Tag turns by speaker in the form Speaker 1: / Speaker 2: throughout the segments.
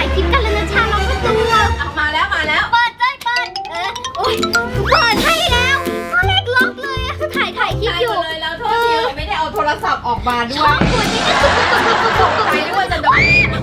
Speaker 1: คลิปกันเลยนะชาล็อกประตู
Speaker 2: เอามาแล้ว
Speaker 1: เปิดโอ๊ยเปิดให้แล้วก็เล็กล็อกเลยคือถ่ายคลิปอยู่
Speaker 2: เลยแล้วโทษทีไม่ได้เอาโทรศัพท์ออกมาด้
Speaker 1: ช
Speaker 2: ว
Speaker 1: อย บตัวนี้ก็
Speaker 2: ตกใจด้วยจะโดน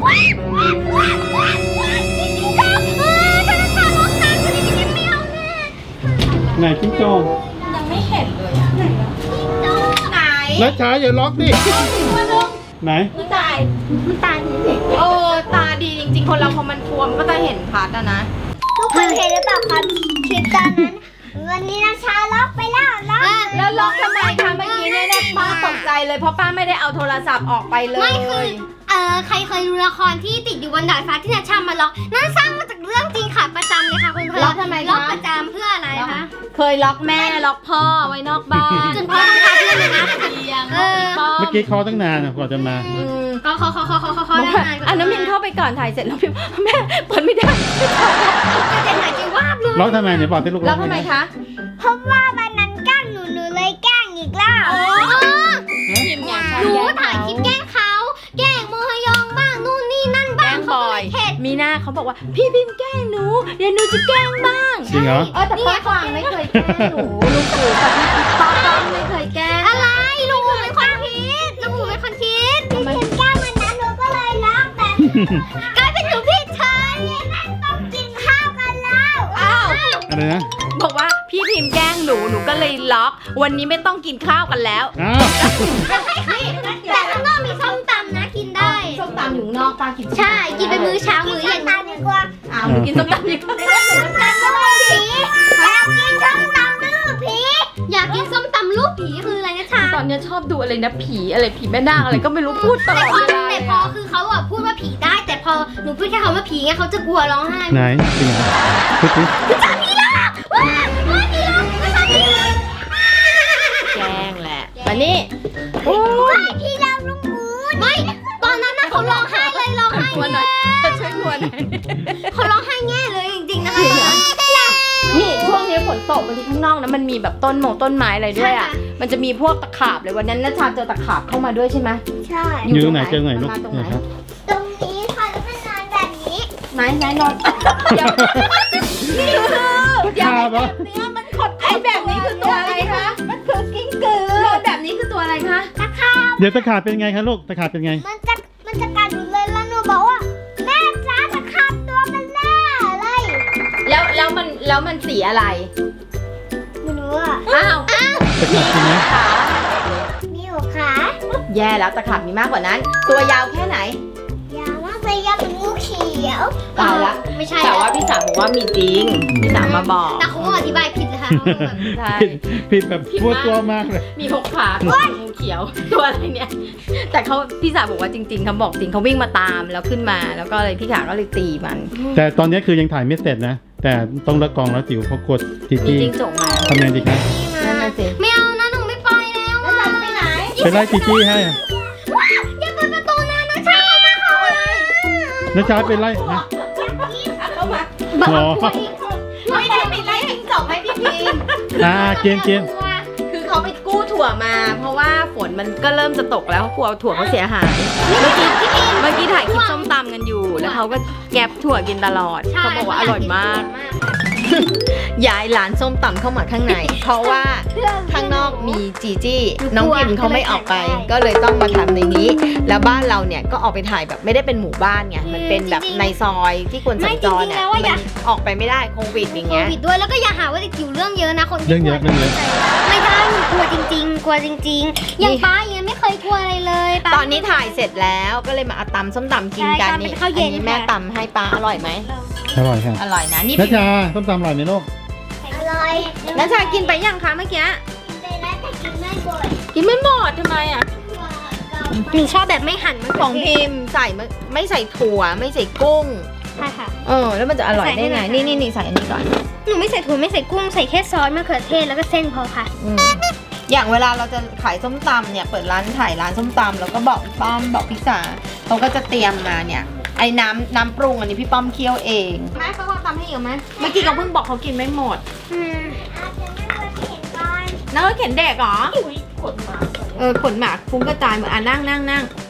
Speaker 3: ไหนจิ้งจอก
Speaker 2: ยังไม่เห็นเลยอ่ะไหน
Speaker 3: นัชชาอย่าล็อกดิไหน
Speaker 2: มันตาย
Speaker 1: มันตายจริง
Speaker 2: ตาดีจริงๆคนเราพอมันบวมก็จะเห็นพัดอะนะ
Speaker 1: ทุกคนเห็นหรือเปล่าครับคลิปตอนนั้นวันนี้นะชาล็อกไปแล้ว
Speaker 2: แล้วล็อกทำไมคะเมื่อกี้เนี่ยป้าตกใจเลยเพราะป้าไม่ได้เอาโทรศัพท์ออกไปเลย
Speaker 1: ไม่คือใครเคยดูละครที่ติดอยู่บนดาดฟ้าที่นาชามาล็อกนั่นสร้างมาจากเรื่องจริงค่ะประจำเลยค่ะคุณเพื่อน
Speaker 2: ล็อกทำไมคะ
Speaker 1: ล็อกประจำเพื่ออะไรคะ
Speaker 2: เคยล็อกแม่ล็อกพ่อไว้นอกบ้าน
Speaker 1: จนพ่อต้องพาเพื่อนเลยนะ
Speaker 3: เมื่อกี้เคาะตั้งนานกว่าจะมา
Speaker 1: เขาได้นานกว่า
Speaker 2: น้ำมินเข้าไปก่อนถ่ายเสร็จแล้วพิมพ์แม่เปิดไม่ได้
Speaker 1: จะเจ็บหายใจวาบเลย
Speaker 3: ล็อกทำไมเนี่ยบอกที่ลูก
Speaker 2: ล็อกทำไมคะ
Speaker 1: เพราะว่าวันนั้นแกล้งหนูเลยแกล้งอีกแล้ว
Speaker 2: พิมพ์เนี่ย
Speaker 1: หนูถ่ายคลิปแกล้งเขาแกล้งโมฮยองบ้างนู่นนี่นั่น
Speaker 2: แก
Speaker 1: บ้า
Speaker 2: ล้
Speaker 1: ง
Speaker 2: งบ่อย
Speaker 1: เผ็ด
Speaker 2: มีหน้าเขาบอกว่าพี่พิมพ์แกล้งหนูเดี๋ยวหนูจะแกล้งบ้าง
Speaker 3: จริงเหรอ
Speaker 2: แต่ป้ากวางไม่เคยแกล้งหนูลุงปู่กับป้ากวางไม่เคยแกล้ง
Speaker 1: อะไรลุงหมูเป็นคนคิดลุงหมูเป็นคนคิดพี่พิมแกล้งวันนั้นหนูก็เลยรักแต่กลายเป็นหนูผิดเฉยต้องกินข้าวกันแล้ว
Speaker 2: อ้าว
Speaker 3: อะไรนะ
Speaker 2: บอกว่าพี่พิมพ์แกล้งหนูก็เลยล็อก วันนี้ไม่ต้องกินข้าวกันแล้ว
Speaker 3: อ้าว
Speaker 1: แต่ข้างนอกมีส้มตำนะกินได้
Speaker 2: ส้มตำอยู่นอกป้ากิน
Speaker 1: ใช่กินเป็นมื้อเช้ามื้อเย็นดีกว่า
Speaker 2: อ้าวกินส้มตำดีกว่า
Speaker 1: ส้มตำลูกผีอยากกินส้มตำลูกผีอยากกินส้มตำลูกผีคืออะไรนะชา
Speaker 2: ตอนนี้ชอบดูอะไรนะผีอะไรผีแม่นาคอะไรก็ไม่รู้พูดตลอดเวลา
Speaker 1: แต่พอคือเขาอะพูดว่าผีได้ แต่พอหนูพูดแค่คำว่าผีไงเขาจะกลัวร้องไห้
Speaker 3: ไหนจริงเหรอพูดดิ
Speaker 1: ผีหลอกว้าวผีหลอกไม่ใช่ผีหลอก
Speaker 2: แกล้งแหละมานี่
Speaker 1: โอ้ยผีหลอกลุงหมูไม่ตอนนั้นนะเขาร้องไห้เลยร้องไห้
Speaker 2: กลัวหน่อยช่วยกลัวหน่อย
Speaker 1: เขาร้องไห้แง่เลยจริงๆนะคะ
Speaker 2: นี่ช่วงนี้ฝนตกบางทีข้างนอกนะมันมีแบบต้นไม้อะไรด้วยอ่ะมันจะมีพวกตะขาบเลยวันนั้นนัชชาเจอตะขาบเข้ามาด้วยใช่ไหม
Speaker 1: ใช่
Speaker 3: อยู่ตรงไหนเจอไหนลูก
Speaker 2: มาตรงไหน
Speaker 3: เนี่ยครับ
Speaker 1: ตรงนี้ค่ะแล้วมันนอนแบบนี้
Speaker 2: ไหนนอนเดี๋ยวนี่คือเดี๋ยว
Speaker 3: ข้าวปะ
Speaker 2: เนื้อมันขดไอแบบนี้คือตัวอะไรคะมันคือกิ้งกือแบบนี้คือตัวอะไรคะ
Speaker 1: ตะขาบ
Speaker 3: เดี๋ยวตะขาบเป็นไงคะลูกตะขาบเป็นไง
Speaker 1: มันจะกัดหนูเลยแล้วหนูบอกว่าแม่จ้าตะขาบตัวเป็นแม่เลย
Speaker 2: แล้วมันสีอะไร
Speaker 1: ไม่รู้อ่ะ
Speaker 2: อ้าว
Speaker 3: ตะขาบจริงไหม
Speaker 2: ขา
Speaker 1: มีหัวขา
Speaker 2: แย่แล้วตะขาบมีมากกว่านั้น ตัวยาวแค่ไหน
Speaker 1: ยาวมากเลยยาวเป็นงูเขียว
Speaker 2: ตายละ
Speaker 1: ไม่ใช่
Speaker 2: แต่ว่าพี่สาวบอกว่ามีจริงพี่สาวมาบอก
Speaker 1: แต่เขาอธิบายผิดเลยค่ะ
Speaker 2: ใช่
Speaker 3: ผิดแบบพูดตัวมากเลย
Speaker 2: มี6 ขางูเขียว ตัวอะไรเนี่ย แต่เขาพี่สาวบอกว่าจริงๆเขาบอกจริงเขาวิ่งมาตามแล้วขึ้นมาแล้วก็เลยพี่ขาก็เลยตีมัน
Speaker 3: แต่ตอนนี้คือยังถ่ายไม่เสร็จนะ แต่ต้องเลิกกองแล้วจิ๋วเขากดจี
Speaker 2: มี
Speaker 3: จี
Speaker 2: จริงจกมา
Speaker 3: ทำไงดีครับ
Speaker 2: นั่นน่ะสิ
Speaker 1: ไม่เอานะหนูไม่ปล่อยแล้วอะ
Speaker 2: ไปไหน
Speaker 3: ไปไล่จีจีให้อะ
Speaker 1: ว้าวอย่าเปิดประตูนะนะชามาเขาเลย
Speaker 3: นัชชาไปไล่นะ
Speaker 2: เข้ามา
Speaker 3: หรอ
Speaker 2: ไม่ได้ไปไล่จิ้งจอกให้พี่พิม
Speaker 3: เกม
Speaker 2: คือเขาไปกู้ถั่วมา เพราะว่าฝนมันก็เริ่มจะตกแล้วเขากลัวถั่วเขาเสียหายเมื่อกี้ถ่ายคลิปส้มตำกันอยู่ แล้วเขาก็แก็บถั่วกินตลอดเขาบอกว่าอร่อยมากย้ายร้านส้มตำเข้ามาข้างใน เพราะว่าข้างนอกมีจีจี้น้องพิมเขาไม่ออกไป ก็เลยต้องมาทำในนี้ แล้วบ้านเราเนี่ยก็ออกไปถ่ายแบบไม่ได้เป็นหมู่บ้านไงมันเป็นแบบในซอยที่คนสัญจรเนี่ยมันออกไปไม่ได้โควิดอย่าง
Speaker 1: โค
Speaker 2: เงี้ย
Speaker 1: วิดด้วยแล้วก็อย่าหาว่าเด็กจิ๋วเรื่องเยอะนะคน
Speaker 3: เรื่องเยอะเรื่องเยอะ
Speaker 1: ไม่ได้หนูกลัวจริงๆ กลัวจริงๆ อย่างป้าอย่างเงี้ยไม่เคยกลัวอะไรเลยป้า
Speaker 2: ตอนนี้ถ่ายเสร็จแล้วก็เลยมาเอาตำส้มตำกินกัน
Speaker 1: ใช่
Speaker 2: นี่
Speaker 1: เป็นข้าวเย็น
Speaker 2: อัแม่
Speaker 1: ค่ะ
Speaker 2: ตำให้ป้าอร่อยไหม
Speaker 3: อร่อยค่ะ
Speaker 2: อร่อยนะนี่
Speaker 3: นัชชาต้มตำอร่อยไหมลูก
Speaker 1: อร่อย
Speaker 2: นัชชากินไปยังคะเมื่อกี้
Speaker 1: กินไปแล้วแต่กินไม่บ่อย
Speaker 2: กินไม่หมดทำไมอ่ะ
Speaker 1: หนูชอบแบบไม่หั่นมัน
Speaker 2: ของพิมพ์ใส่ไม่ใส่ถั่วไม่ใส่กุ้ง
Speaker 1: ใช่ค่ะ
Speaker 2: แล้วมันจะอร่อยได้ไง
Speaker 1: ใส่ให้หน่อย
Speaker 2: นี่ใส่อันนี้ก่อน
Speaker 1: หนูไม่ใส่ถั่วไม่ใส่กุ้งใส่แค่ซอสมะเขือเทศแล้วก็เส้นพอค่ะ
Speaker 2: อย่างเวลาเราจะขายส้มตำเนี่ยเปิดร้านถ่ายร้านส้มตำแล้วก็บอกพี่ป้อมบอกพี่สาเขาก็จะเตรียมมาเนี่ยไอ้น้ำปรุงอันนี้พี่ป้อมเคี่ยวเองแม่เขาทำให้อีกไหมเมื่อกี้เขาเพิ่งบอกเขากินไม่หมดนั่งรถเข็นเด็กเหรอขนหมาฟุ้งกระจายเหมือนนั่ง